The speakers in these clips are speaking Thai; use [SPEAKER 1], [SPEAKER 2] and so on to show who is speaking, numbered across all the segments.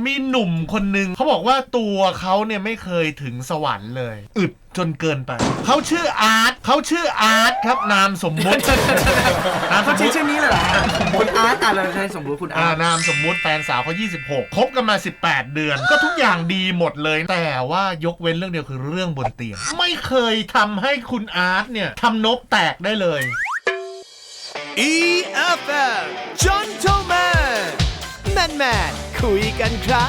[SPEAKER 1] มีหนุ่มคนหนึ่งเขาบอกว่าตัวเขาเนี่ยไม่เคยถึงสวรรค์เลยอึดจนเกินไปเขาชื่ออาร์ตครับนามสมมุติ
[SPEAKER 2] เขาชื่อนี้เลยเหรอคุณอาร์ตอะไรใช่สมมุติคุณอาร์ต
[SPEAKER 1] นามสมมุติแฟนสาวเขา26คบกันมา18เดือนก็ทุกอย่างดีหมดเลยแต่ว่ายกเว้นเรื่องเดียวคือเรื่องบนเตียงไม่เคยทำให้คุณอาร์ตเนี่ยทำนบแตกได้เลย
[SPEAKER 3] EFM Gentleman Man คุยกันครับ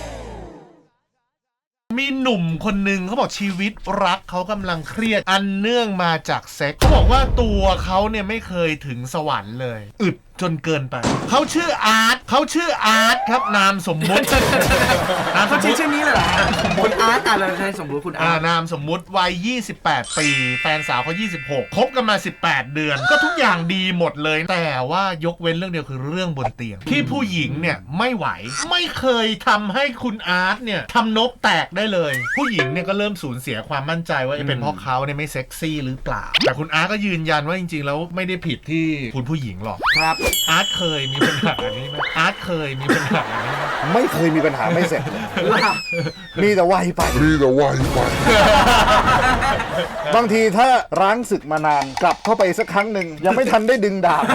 [SPEAKER 1] มีหนุ่มคนหนึ่งเขาบอกชีวิตรักเขากำลังเครียดอันเนื่องมาจากเซ็กเขาบอกว่าตัวเขาเนี่ยไม่เคยถึงสวรรค์เลยอึดจนเกินไปเขาชื่ออาร์ตครับนามสมมุติ
[SPEAKER 2] เขาชื่อนี้เลยเหรอคุณอาร์ตอะไรใช่สมมุติคุณอาร์ต
[SPEAKER 1] นามสมมุติวัย28ปีแฟนสาวเขา26คบกันมา18เดือนก็ทุกอย่างดีหมดเลยแต่ว่ายกเว้นเรื่องเดียวคือเรื่องบนเตียงที่ผู้หญิงเนี่ยไม่ไหวไม่เคยทำให้คุณอาร์ตเนี่ยทำนบแตกได้เลยผู้หญิงเนี่ยก็เริ่มสูญเสียความมั่นใจว่าเป็นเพราะเขาเนี่ยไม่เซ็กซี่หรือเปล่าแต่คุณอาร์ตก็ยืนยันว่าจริงๆแล้วไม่ได้ผิดที่คุณผู้หญิงหรอก
[SPEAKER 2] ครับ
[SPEAKER 1] อาร์ตเคยมีปัญหาอันนี้ไหม
[SPEAKER 4] ไม่เคยมีปัญหาไม่เสร็จมีแต่ไวไปบางทีถ้าร้างศึกมานานกลับเข้าไปสักครั้งหนึ่งยังไม่ทันได้ดึงดาบ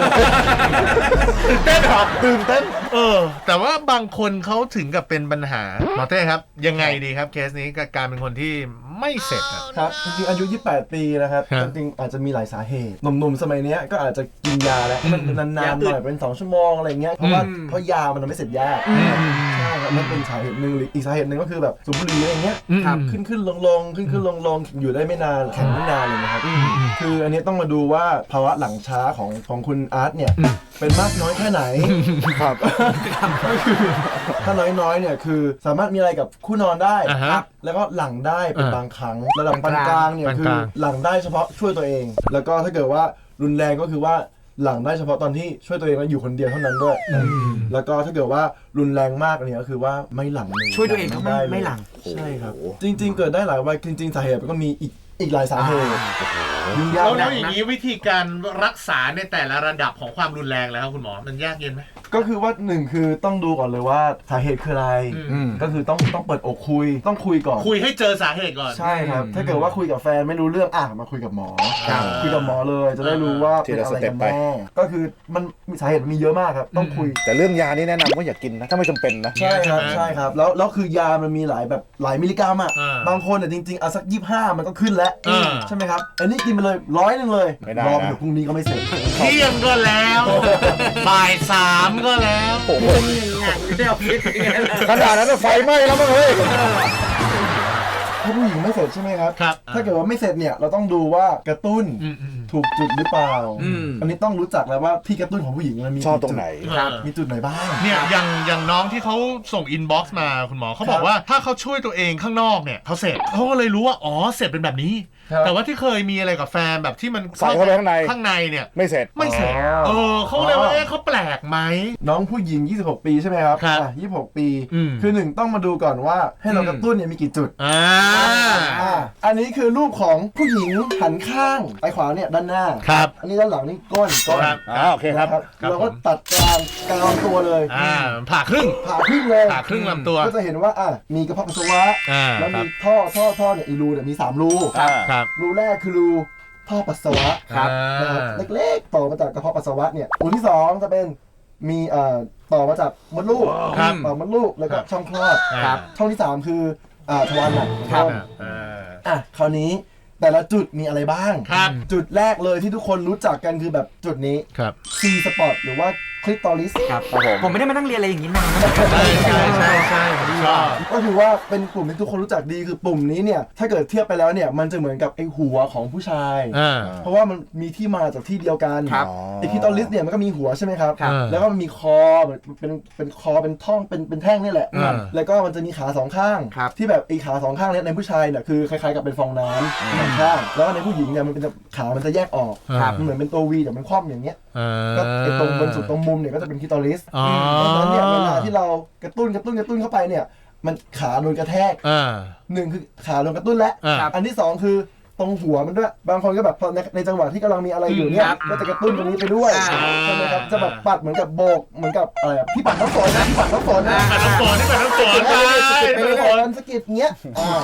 [SPEAKER 4] ตื่นเต้น
[SPEAKER 1] แต่ว่าบางคนเขาถึงกับเป็นปัญหาหมอเต้ครับยังไงดีครับเคสนี้กับการเป็นคนที่ไม่เสร็จ
[SPEAKER 5] ครับจริงๆอายุ28ปีนะครับจริงๆอาจจะมีหลายสาเหตุหนุ่มๆสมัยนี้ก็อาจจะกินยาแล้วมันนานๆหน่อยเป็น2ชั่วโมงอะไรเงี้ยเพราะยามันทำให้เสร็จยากใช่ครับนั่นเป็นสาเหตุหนึ่งอีกสาเหตุหนึ่งก็คือแบบสูบบุหรี่อะไรเงี้ยขึ้นลงอยู่ได้ไม่นานแข็งไม่นานเลยนะครับคืออันนี้ต้องมาดูว่าภาวะหลังช้าของคุณอาร์ตเนี่ยเป็นมากน้อยแค่ไหนครับก็คือถ้าน้อยเนี่ยคือสามารถมีอะไรกับคู่นอนได้แล้วก็หลังได้เป็นบางครั้งระดับปานกลางเนี่ยคือหลังได้เฉพาะช่วยตัวเองแล้วก็ถ้าเกิดว่ารุนแรงก็คือว่าหลังได้เฉพาะตอนที่ช่วยตัวเองแล้วอยู่คนเดียวเท่านั้นด้วยแล้วก็ถ้าเกิดว่ารุนแรงมากเนี่ยก็คือว่าไม่หลังเลย
[SPEAKER 2] ช่วยตัวเองก็ไม่หลัง
[SPEAKER 5] ใช่ครับจริงๆเกิดได้หลายวัยจริงๆสาเหตุก็มีอีกหลายสาเหตุ
[SPEAKER 1] แล้วอย่างนี้วิธีการรักษาในแต่ละระดับของความรุนแรงแล้วคุณหมอมันยากเย็นไหม
[SPEAKER 5] ก็คือว่าหนึ่งคือต้องดูก่อนเลยว่าสาเหตุคืออะไรก็คือต้องเปิดอกคุยต้องคุยก่อน
[SPEAKER 1] คุยให้เจอสาเหตุก่อน
[SPEAKER 5] ใช่ครับถ้าเกิดว่าคุยกับแฟนไม่รู้เรื่องมาคุยกับหมอคุยกับหมอเลยจะได้รู้ว่าเป็นอะไรกันแน่ก็คือมันมีสาเหตุมีเยอะมากครับต้องคุย
[SPEAKER 4] แต่เรื่องยานี่แนะนำว่าอย่ากินนะถ้าไม่จำเป็นนะ
[SPEAKER 5] ใช่ครับแล้วคือยามันมีหลายมิลลิกรัมบางคนจริงๆเอาสัก25มันก็ขึ้นแล้วใช่ไหมครับอันนี้กินไปเลย100เลยรอเดี๋ยวพรุ่งนี้ก็ไม่เสร็จ
[SPEAKER 1] เที่ยงก็แล้วบ่าย3ก็แล้ว
[SPEAKER 4] โอ้โหขนาดนั้นไฟไหม้แล้วมั้งเฮ้ย
[SPEAKER 5] ถ้าผู้หญิงไม่เสร็จใช่ไหมครับถ้าเกิดว่าไม่เสร็จเนี่ยเราต้องดูว่ากระตุ้นถูกจุดหรือเปล่าอันนี้ต้องรู้จักแล้วว่าที่กระตุ้นของผู้หญิงมันมี
[SPEAKER 4] ชอบตรงไหน
[SPEAKER 5] มีจุดไหนบ้าง
[SPEAKER 1] เนี่ยอย่างน้องที่เขาส่งอินบ็อกซ์มาคุณหมอเขาบอกว่าถ้าเขาช่วยตัวเองข้างนอกเนี่ยเขาเสร็จเขาก็เลยรู้ว่าอ๋อเสร็จเป็นแบบนี้แต่ว่าที่เคยมีอะไรกับแฟนแบบที่มัน
[SPEAKER 4] ใส่เข้าไปข้างใน
[SPEAKER 1] เนี่ย
[SPEAKER 4] ไม่เสร็จ
[SPEAKER 1] เขาเลยว่าเขาแปลกไหม
[SPEAKER 5] น้องผู้หญิง26ปีใช่ไหมครับ26ปีคือ1ต้องมาดูก่อนว่าให้เรากระตุ้นเนี่ยมีกี่จุดอันนี้คือรูปของผู้หญิงหันข้างไปขวาเนี่ยด้านหน้าอันนี้ด้านหลังนี่ก้น
[SPEAKER 4] โอเคครับ
[SPEAKER 5] เราก็ตัดกลางลำตัวเลย
[SPEAKER 1] ผ่าครึ่ง
[SPEAKER 5] เลย
[SPEAKER 1] ผ่าครึ่งลำตัว
[SPEAKER 5] ก็จะเห็นว่ามีกระเพาะปัสสาวะแล้วมีท่อเนี่ยอีรูเนี่ยมี3รูรูแรกคือรูท่อปัสสาวะเล็กๆต่อมาจากกระเพาะปัสสาวะเนี่ยรูที่2จะเป็นมีต่อมาจากมดลูกมดลูกแล้วก็ช่องคลอดช่องที่3คือทวารหนักคราวนี้แต่ละจุดมีอะไรบ้างจุดแรกเลยที่ทุกคนรู้จักกันคือแบบจุดนี้C spot หรือว่าคลิตอริส
[SPEAKER 2] ครับผมไม่ได้มานั่งเรียนอะไรอย่างนี้นาน
[SPEAKER 1] ใช่ชอบ
[SPEAKER 5] ก็คือว่าเป็นกลุ่มที่ทุกคนรู้จักดีคือปุ่มนี้เนี่ยถ้าเกิดเทียบไปแล้วเนี่ยมันจะเหมือนกับไอหัวของผู้ชายเพราะว่ามันมีที่มาจากที่เดียวกันไอคลิตอริสเนี่ยมันก็มีหัวใช่ไหมครับแล้วก็มันมีคอเป็นคอเป็นท่องเป็นแท่งนี่แหละแล้วก็มันจะมีขา2ข้างที่แบบไอขา2ข้างเนี่ยในผู้ชายเนี่ยคือคล้ายๆกับเป็นฟองน้ำ2ข้างแล้วในผู้หญิงเนี่ยมันเป็นขามันจะแยกออกมันเหมือนเป็นตัววีแต่มันคว่ำอย่างเงี้ยก็ไอตรงบนสุดตรงมุมเนี่ยก็จะเป็นคลิตอริสเพราะฉะนั้นเนี่ยเวลาที่เรากระตุ้นเข้าไปเนี่ยมันขาโดนกระแทก1คือขาโดนกระตุ้นและอันที่2คือตรงหัวมันด้วยบางคนก็แบบพอในจังหวะที่กำลังมีอะไรอยู่เนี่ยก็จะกระตุ้นตรงนี้ไปด้วยใช่ไหมครับจะแบบปัดเหมือนกับโบกเหมือนกับอะไรพี่ปัดน้ำฝนนะพี่ปัดน้ำฝนนะ
[SPEAKER 1] ปัดน้ำฝนนี่ปัดน้ำฝนไป
[SPEAKER 5] ไปเลยสกิดเงี้ย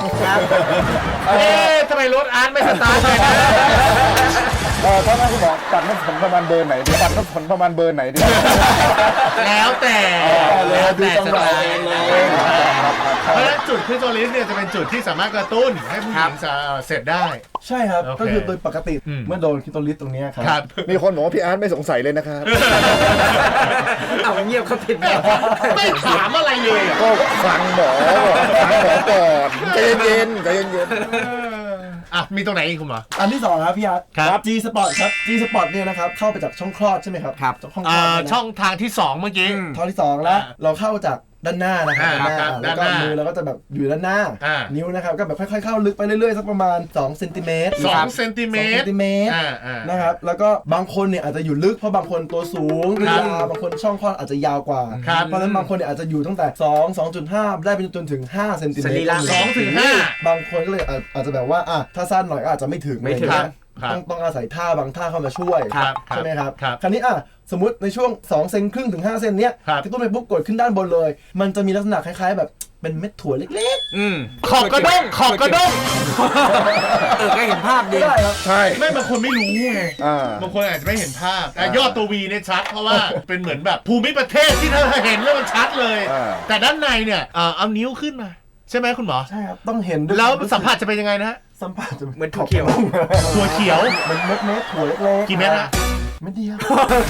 [SPEAKER 1] ทำไมรถอาร์ตไม่สตาร์ทเลยนะ
[SPEAKER 4] ถ้าแม่คุณบอกปัดน้ำฝนประมาณเบอร์ไหนดีปัดน้ำฝนประมาณเบอร์ไหนดี
[SPEAKER 1] แล้วแต่
[SPEAKER 5] ดูจังหวะ
[SPEAKER 1] เพราะฉะนั้นจุดคริสโตลิสเนี่ยจะเป็นจุดที่สามารถกระตุ้นให้ผู้หญิงเสร็จได้
[SPEAKER 5] ใช่ครับ
[SPEAKER 1] โอเค
[SPEAKER 5] ก็คือโดยปกติ
[SPEAKER 1] อืม
[SPEAKER 5] เมื่อโดนคิโตลิสตรงเนี้ยครับ
[SPEAKER 1] ครับ
[SPEAKER 4] มีคนบอกว่าพี่อาร์ตไม่สงสัยเลยนะครับ
[SPEAKER 2] เอาเงียบเขาผิดแล้ว
[SPEAKER 1] ไม่ถามอะไรเลยอะ
[SPEAKER 4] ก็ฟังหมอก่อนใจเย็นๆใจเย็น
[SPEAKER 1] อ่ะมีตรงไหนอีกคุณหมอ
[SPEAKER 5] อันที่สองครับพี่อาร์ต
[SPEAKER 1] ครับ
[SPEAKER 5] G Spot ครับ G Spot เนี่ยนะครับเข้าไปจากช่องคลอดใช่ไหมครับ
[SPEAKER 2] ครับ
[SPEAKER 5] ช่องคลอดเนี่ยนะ
[SPEAKER 1] ช่องทางที่ 2 เมื่อกี้
[SPEAKER 5] ท่อที่สองแล้วเราเข้าจากด้านหน้านะครับ
[SPEAKER 1] ครับ
[SPEAKER 5] แล้วก็
[SPEAKER 1] ด้านหน้า
[SPEAKER 5] มือเราก็จะแบบอยู่ด้านหน้า
[SPEAKER 1] อ่า
[SPEAKER 5] นิ้วนะครับก็แบบค่อยๆเข้าลึกไปเรื่อยๆสักประมาณ2เซนติเมตร
[SPEAKER 1] 2 เซนติเมตร อ่า
[SPEAKER 5] นะครับแล้วก็บางคนเนี่ยอาจจะอยู่ลึกเพราะบางคนตัวสูง
[SPEAKER 1] ครับ
[SPEAKER 5] ยาวบางคนช่องคลอดอาจจะยาวกว่า
[SPEAKER 1] ครับ
[SPEAKER 5] เพราะฉะนั้นบางคนเนี่ยอาจจะอยู่ตั้งแต่2.5 ได้ไปจนถึง5เซนติเมต
[SPEAKER 2] สรี
[SPEAKER 5] ร
[SPEAKER 2] ระ
[SPEAKER 1] 2 ถึง 5
[SPEAKER 5] บางคนก็เลยอาจจะแบบว่าถ้าสั้นหน่อยก็อาจจะไม่ถึง
[SPEAKER 2] ไม่ถึง
[SPEAKER 5] อะรเงี้ย
[SPEAKER 1] ครับ
[SPEAKER 5] ต้องอาศัยท่าบางท่าเข้ามาช่วย
[SPEAKER 1] ครับ
[SPEAKER 5] ใช่ไหมครับ
[SPEAKER 1] ครับ
[SPEAKER 5] คราวนี้สมมติในช่วง2เซนครึ่งถึง5เซนเนี้ย
[SPEAKER 1] ครับ
[SPEAKER 5] กระตุ้นไปปุ๊บกดขึ้นด้านบนเลย มันจะมีลักษณะคล้ายๆ แบบเป็นเม็ดถั่วเล็ก
[SPEAKER 1] ขอบกระด้งขอบกระด้ง
[SPEAKER 2] ก็เห็นภาพ
[SPEAKER 5] ๆ
[SPEAKER 2] ดี
[SPEAKER 5] ก็ได้ครับ
[SPEAKER 4] ๆใช่
[SPEAKER 1] ไม่บางคนไม่รู้ไง
[SPEAKER 4] อ่า
[SPEAKER 1] บางคนอาจจะไม่เห็นภาพแต่ยอดตัววีเนี่ยชัดเพราะว่าเป็นเหมือนแบบภูมิประเทศที่ถ้าเห็นแล้วมันชัดเลย
[SPEAKER 4] อ่า
[SPEAKER 1] แต่ด้านในเนี่ยเอานิ้วขึ้นมา ใช่ไหมคุณหมอ
[SPEAKER 5] ใช่ครับต้องเห็นด้วย
[SPEAKER 1] แล้วสัมผัสจะเป็นยังไงนะฮะ
[SPEAKER 5] สัมผัสจะ
[SPEAKER 2] เหมือนถั่วเขียว
[SPEAKER 1] ถั่วเขียว
[SPEAKER 5] มันเม็ดถั่วเล็กๆ
[SPEAKER 1] กี่เม็ดฮะ
[SPEAKER 5] เม็ดเดียว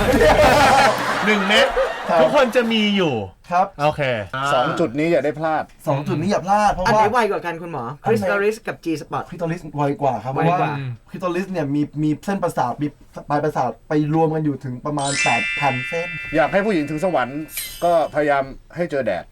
[SPEAKER 1] 1 เม็ด
[SPEAKER 5] ครับ
[SPEAKER 1] ทุกคนจะมีอยู่
[SPEAKER 5] ครับ
[SPEAKER 1] โอเค
[SPEAKER 4] 2 จุดนี้อย่าได้พลาด
[SPEAKER 5] 2 จุดนี้อย่าพลาดเพราะ
[SPEAKER 2] อัน
[SPEAKER 5] ว่า
[SPEAKER 2] ไหนไวกว่ากันคุณหมอคริสตอริสกับ G Spot
[SPEAKER 5] คริโตลิสไวกว่าครับเพ
[SPEAKER 2] ไว
[SPEAKER 5] ราะ
[SPEAKER 2] ก
[SPEAKER 5] ว่า
[SPEAKER 2] ว่า
[SPEAKER 5] คริโตลิสเนี่ยมีเส้นประสาทมีปลายประสาทไปรวมกันอยู่ถึงประมาณ 8,000 เส้น
[SPEAKER 4] อยากให้ผู้หญิงถึงสวรรค์ก็พยายามให้เจอแดด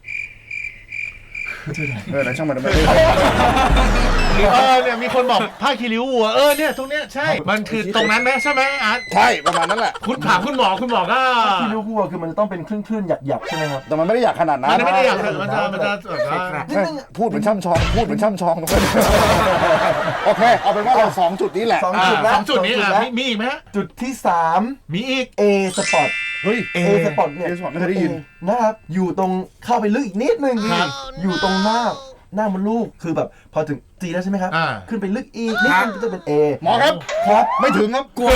[SPEAKER 4] นะช่างมันไม่ได้
[SPEAKER 1] เนี่ยมีคนบอกผ้าคีริ้ววัวเนี่ยตรงเนี้ยใช่ มันคือตรงนั้นไหมใช่ไหมอาร์ต
[SPEAKER 4] ใช่ประมาณนั้นแหละ
[SPEAKER 1] คุณถามคุณหมอก็
[SPEAKER 5] ที่รู้ว่าคือมันจะต้องเป็นคลื่นๆหยักๆใช่ไหมครับ
[SPEAKER 4] แต่มันไม่ได้อยากขนาดนั้น
[SPEAKER 1] มันไม่ได้อยากมันจะแบบว่า
[SPEAKER 4] พูดเหมือนช่ำชองตรงนั้นโอเคเอาเป็นว่าเรา2 จุดนี้แหละ
[SPEAKER 5] 2 จุดแล้ว
[SPEAKER 1] สองจุดนี้
[SPEAKER 5] สองแล้ว
[SPEAKER 1] มีอีกไหมฮะ
[SPEAKER 5] จุดที่
[SPEAKER 1] มีอีก
[SPEAKER 5] 3 A Spot
[SPEAKER 4] เฮ้ย
[SPEAKER 5] A Spot เนี่ย
[SPEAKER 4] A Spot ไม่เคยได้ยิน
[SPEAKER 5] นะครับอยู่ตรงเข้าไปลึกอีกนิดนึง
[SPEAKER 1] ครับ
[SPEAKER 5] อยู่ตรงหน้ามดลูกคือแบบพอถึง G แล้วใช่ไหมครับ ขึ้นไปลึกอีกนิดนึงก็จะเป็น A
[SPEAKER 4] หมอครับ
[SPEAKER 5] ครับ
[SPEAKER 4] ไม่ถึงครับกลัว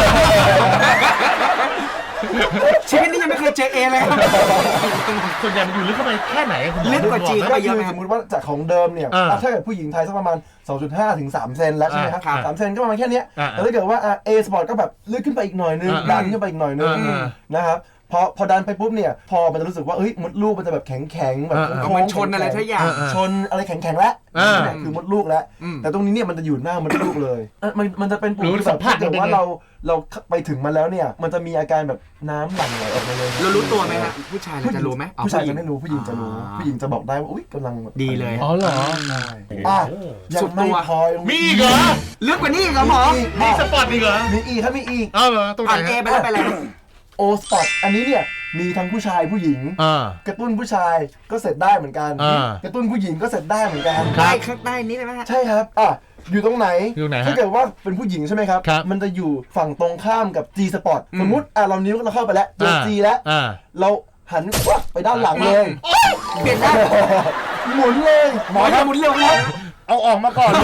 [SPEAKER 2] ชีวิตนี้ยังไม่เคยเจอเอเลยครับ
[SPEAKER 1] ส่วนใหญ่มันอยู่ลึกเข้าไปแค่ไหนคุณหมอ
[SPEAKER 2] ลึกกว่า G
[SPEAKER 5] ก็คือสมมติว่าจากของเดิมเนี่ยถ้าเกิดผู้หญิงไทยสักประมาณ 2.5 ถึง 3 เซนแล้วใช่ไหมครับ 3 เซนก็ประมาณแค่เนี้ยแต่ถ้าเกิดว่า A Spot ก็แบบลึกขึ้นไปอีกหน่อยนึงดันขึ้นไปอีกหน่อยนึงนะครับพอดันไปปุ๊บเนี่ยพอมันจะรู้สึกว่ามดลูกมันจะแบบแข็งแบบ
[SPEAKER 2] เหมือนชนอะไรทุกอย่าง
[SPEAKER 5] ชนอะไรแข็งแล้วนี่คือมดลูกแล้ว แต่ตรงนี้เนี่ยมันจะอยู่หน้ามดลูกเลยมันจะเป็นปุ่มที่แบบถ้าเกิดว่าเราไปถึงมันแล้วเนี่ยมันจะมีอาการแบบน้ำหลั่งไหลออกมาเลย
[SPEAKER 2] เรารู้ตัวไหมฮะผู้ชายเราจะรู้ไหม
[SPEAKER 5] ผู้ชายจะไม่รู้ผู้หญิงจะรู้ผู้หญิงจะบอกได้ว่าอุ๊ยกำลัง
[SPEAKER 2] ดีเลย
[SPEAKER 1] อ๋อเหรอ
[SPEAKER 5] ยังไม่พอ
[SPEAKER 1] มีอีกเหรอ
[SPEAKER 2] ลึกกว่านี้อีกเหรอหมอ
[SPEAKER 1] มีสปอร์ตอีกเหรอ
[SPEAKER 5] มีอีกครับมีอีก
[SPEAKER 1] เหรอตรงไหน
[SPEAKER 2] ผ่านเอไปแล้วไปอะไร
[SPEAKER 5] โอสปอตอันนี้เนี่ยมีทั้งผู้ชายผู้หญิง กระตุ้นผู้ชายก็เสร็จได้เหมือนกัน กระตุ้นผู้หญิงก็เสร็จได้เหมือนกัน
[SPEAKER 2] ใต้ข้างใต้นี้เลยไหมฮะ
[SPEAKER 5] ใช่ครับอยู่ตรงไหน
[SPEAKER 1] อยู่ไหนฮะ
[SPEAKER 5] ถ้าเกิดว่าเป็นผู้หญิงใช่ไหมครับ
[SPEAKER 1] ครับ
[SPEAKER 5] มันจะอยู่ฝั่งตรงข้ามกับ G Spot สมมุติเรานิ้วเราเข้าไปแล้วเจอ G แล้ว เราหันวับไปด้านหลังเลย
[SPEAKER 2] เปลี่ยนได้
[SPEAKER 5] หมุนเลย
[SPEAKER 2] หมอจะหมุนเร็วครับ
[SPEAKER 4] เอาออกมาก่อน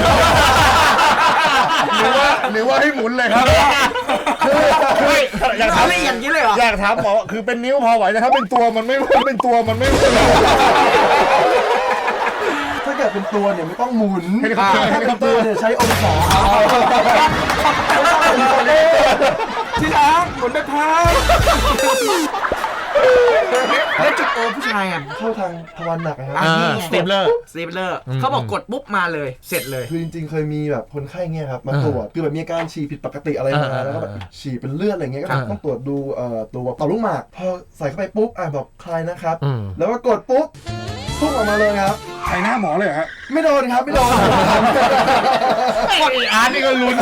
[SPEAKER 4] หรือว่าให้หมุนเลยครับคืออยากถาม
[SPEAKER 2] ไม่อย่างนี้เลยเหรอ
[SPEAKER 4] อยากถามหมอคือเป็นนิ้วพอไหวแต่ถ้าเป็นตัวมันไม่เป็นตัวมันไม่
[SPEAKER 5] ถ้าเกิดเป็นตัวเนี่ยไม่ต้องหมุน
[SPEAKER 4] เฮลิคอปเตอร์
[SPEAKER 5] ถ้าเป็นตัวเนี่ยใช้องศา
[SPEAKER 2] ที่รักหมุนไปพายแล้วจุดโอผู้ชายอ่ะ
[SPEAKER 5] เข้าทางทวารหนักนะครับ
[SPEAKER 1] สตีฟเลอร์
[SPEAKER 2] สตีฟเลอร์เขาบอกกดปุ๊บมาเลยเสร็จเลย
[SPEAKER 5] คือจริงๆเคยมีแบบคนไข้เงี้ยครับมาตรวจคือแบบมีอาการฉี่ผิดปกติอะไรมาแล้วก็แบบฉี่เป็นเลือดอะไรเงี้ยก็แบบต้องตรวจดูตัวต่อมลูกหมากพอใส่เข้าไปปุ๊บบอกคลายนะครับแล้วก็กดปุ๊บพุ่งออกมาเลยครับ
[SPEAKER 4] ใส่หน้าหมอเลยเหรอฮะ
[SPEAKER 5] ไม่โดนครับไม่โดน
[SPEAKER 1] ไอ้อาร์ตนี่ก็ลุ้น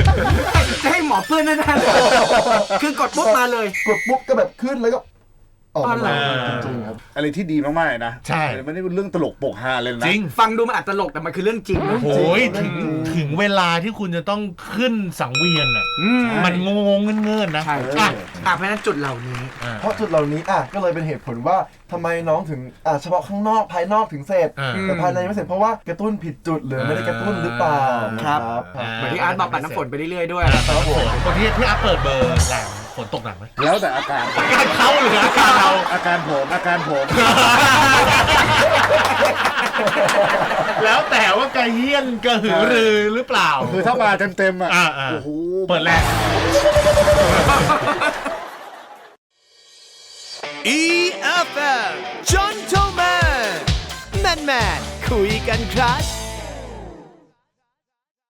[SPEAKER 2] จะให้หมอเพื่อนแน่ๆคือกดปุ๊บมาเลย
[SPEAKER 5] กดปุ๊บก็แบบขึ้นแล้วก็ออก
[SPEAKER 2] อ๋อเหร
[SPEAKER 5] มา
[SPEAKER 2] อ
[SPEAKER 5] จริงๆครับ
[SPEAKER 4] อะไรที่ดีมากๆเลยนะ
[SPEAKER 1] ใช่
[SPEAKER 4] ไม่ได้เป็นเรื่องตลกโปกฮาเลยนะ
[SPEAKER 1] จริง
[SPEAKER 2] ฟังดูมันอาจตลกแต่มันคือเรื่องจริงนะ
[SPEAKER 1] โอ้ย
[SPEAKER 5] จริ
[SPEAKER 1] ถึ
[SPEAKER 5] ง
[SPEAKER 1] งถึงเวลาที่คุณจะต้องขึ้นสังเวียนอ่ะ
[SPEAKER 2] อืม
[SPEAKER 1] มันงงๆเงื่อนๆนะ
[SPEAKER 2] ใช่
[SPEAKER 1] อ่ะ
[SPEAKER 2] เพราะฉะนั้นจุดเหล่านี้
[SPEAKER 5] เพราะจุดเหล่านี้ก็เลยเป็นเหตุผลว่าทำไมน้องถึงเฉพาะข้างนอกภายนอกถึงเสร็จ แต่ภายในไม่เสร็จเพราะว่ากระตุ้นผิดจุดหรือไม่ได้กระตุ้นหรือเปล่า
[SPEAKER 2] ครับ
[SPEAKER 5] ครับ
[SPEAKER 2] เหมือนที่อาร์ตบอกปัดน้ำฝนไปเรื่อยๆด้วย
[SPEAKER 5] ครับผม
[SPEAKER 1] บางทีพี่อัพเปิดเบอร์แรงฝนตกหนักไหม
[SPEAKER 4] แล้วแต่อาการ
[SPEAKER 1] อาการเขาหรืออาการเรา
[SPEAKER 4] อาการผม
[SPEAKER 1] แล้วแต่ว่ากระเฮี้ยนกระหือรือหรือเปล่า
[SPEAKER 4] คือถ้ามาเต็มๆอ่ะ
[SPEAKER 1] อ่า
[SPEAKER 4] โอ้โห
[SPEAKER 1] เปิดแรง
[SPEAKER 3] EFM Gentleman Man คุยกันครับ